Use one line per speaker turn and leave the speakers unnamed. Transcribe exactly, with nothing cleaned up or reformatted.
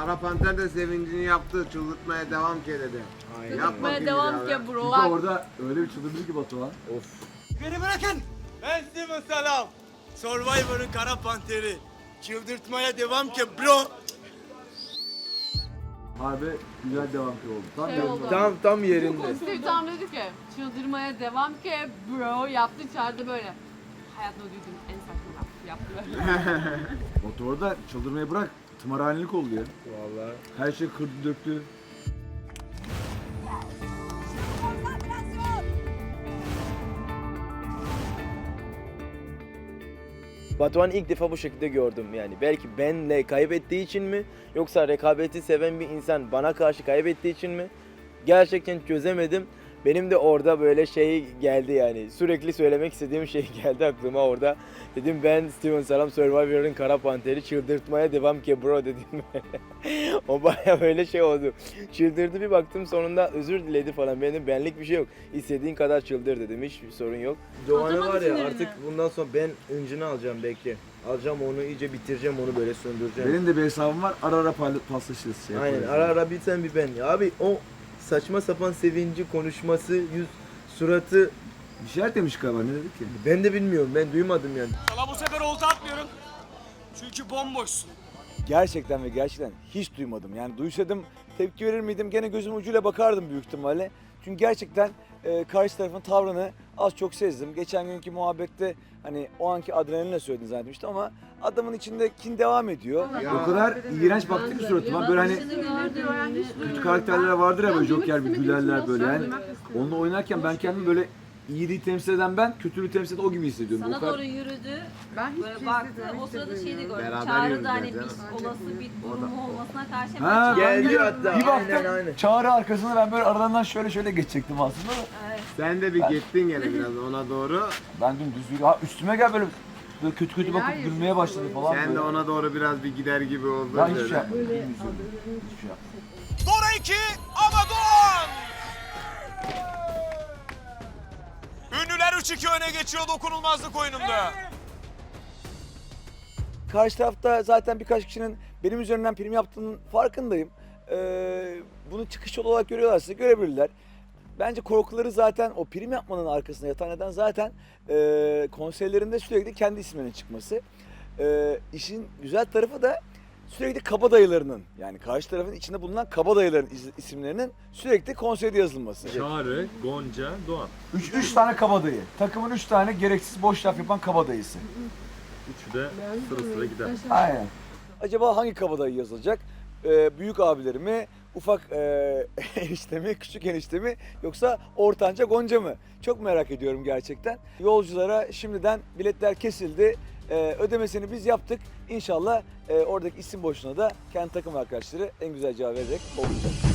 Kara Panter de sevincini yaptı. Çıldırtmaya devam ki dedi.
Aynen.
Yapma
Çıldırtmaya
ki
devam
abi.
ki
Çünkü
bro.
orada öyle bir çıldırdı ki Batuhan.
Of.
Beni bırakın. Ben Steven Salam. Survivor'ın Kara Panteri. Çıldırtmaya devam ki bro.
Harbi güzel devam ki oldu. Tam
Şey
yerinde.
oldu.
Tam tam yerinde.
Steve tam dedi ki çıldırmaya devam ki bro yaptı çağırdı böyle. Hayatımda duyduğum en saçma laf yaptı böyle.
Batu orada çıldırmayı bırak. Tımarhanelik oldu ya.
Vallahi.
Her şey kırdı döktü.
Batuhan'ı ilk defa bu şekilde gördüm yani. Belki benle kaybettiği için mi yoksa rekabeti seven bir insan bana karşı kaybettiği için mi? Gerçekten çözemedim. Benim de orada böyle şey geldi yani. Sürekli söylemek istediğim şey geldi aklıma orada. Dedim ben Steven Salam Survivor'ın Kara Panteri çıldırtmaya devam ki bro dedim. O baya böyle şey oldu. Çıldırdı, bir baktım sonunda özür diledi falan. Benim benlik bir şey yok. İstediğin kadar çıldır dedim. Hiçbir sorun yok. Doğan'ı
Atamadı
var ya
sinirini.
artık bundan sonra ben öncünü alacağım belki. Alacağım onu, iyice bitireceğim onu, böyle söndüreceğim.
Benim de bir hesabım var. Ara ara payla- paslaşırız. Şey
Aynen,
yaparız.
ara ara bir sen bir ben. Ya abi o saçma sapan sevinci, konuşması, yüz, suratı
Bir şeyler demiş galiba. Ne dedi ki?
ben de bilmiyorum, ben duymadım yani.
Sana bu sefer olta atmıyorum. Çünkü bomboşsun.
Gerçekten ve gerçekten hiç duymadım. Yani duysaydım tepki verir miydim? Gene gözüm ucuyla bakardım büyük ihtimalle. Çünkü gerçekten e, karşı tarafın tavrını az çok sezdim. Geçen günkü muhabbette hani o anki adrenalinle söyledin zannetmiştim ama adamın içinde kin devam ediyor.
Ya.
O kadar iğrenç baktı ki suratıma. Böyle hani kötü karakterler vardır ya böyle Joker bir gülerler böyle. Yani onunla oynarken ben kendimi böyle iyiliği temsil eden ben, kötülüğü temsil eden o gibi hissediyorum.
Sana
O kadar...
doğru yürüdü.
Ben hiç
Böyle
şey
baktı.
hissetmedim,
O sırada
hiç
şeyi de gördüm.
Beraber
Çağrı da hani
yürüdüler
bir
canım.
olası bir durumu olmasına karşı hemen
Ha,
çağırdı.
Geldi hatta.
Bir baktım
Aynen aynen.
Çağrı arkasına ben böyle aralarından şöyle şöyle geçecektim aslında da.
Evet.
Sen de bir gittin gene biraz ona doğru.
Ben dümdüz yürü. Ha üstüme gel böyle, böyle kötü kötü bakıp
Neler
gülmeye başladı falan.
Sen
böyle.
de ona doğru biraz bir gider gibi oldun.
Ben hiçbir
böyle.
şey yapmadım. Hiçbir şey yapmadım.
Dora iki ama Doğan. Ünlüler üç iki öne geçiyor dokunulmazlık oyununda.
Karşı tarafta zaten birkaç kişinin benim üzerinden prim yaptığının farkındayım. Ee, bunu çıkış yolu olarak görüyorlarsa görebilirler. Bence korkuları zaten o prim yapmanın arkasında yatan neden zaten e, konserlerinde sürekli kendi isminin çıkması. E, işin güzel tarafı da sürekli kabadayılarının, yani karşı tarafın içinde bulunan kabadayıların is- isimlerinin sürekli konserde yazılması.
Çağrı, Gonca, Doğan.
Üç, üç tane kabadayı. Takımın üç tane gereksiz boş laf yapan kabadayısı.
Üçü de sıra sıra gider.
Aynen. Acaba hangi kabadayı yazılacak? Ee, büyük abileri mi, ufak e, enişte mi, küçük enişte mi yoksa ortanca Gonca mı? Çok merak ediyorum gerçekten. Yolculara şimdiden biletler kesildi. Ee, ödemesini biz yaptık. İnşallah e, oradaki isim boşluğuna da kendi takım arkadaşları en güzel cevap vererek olacak.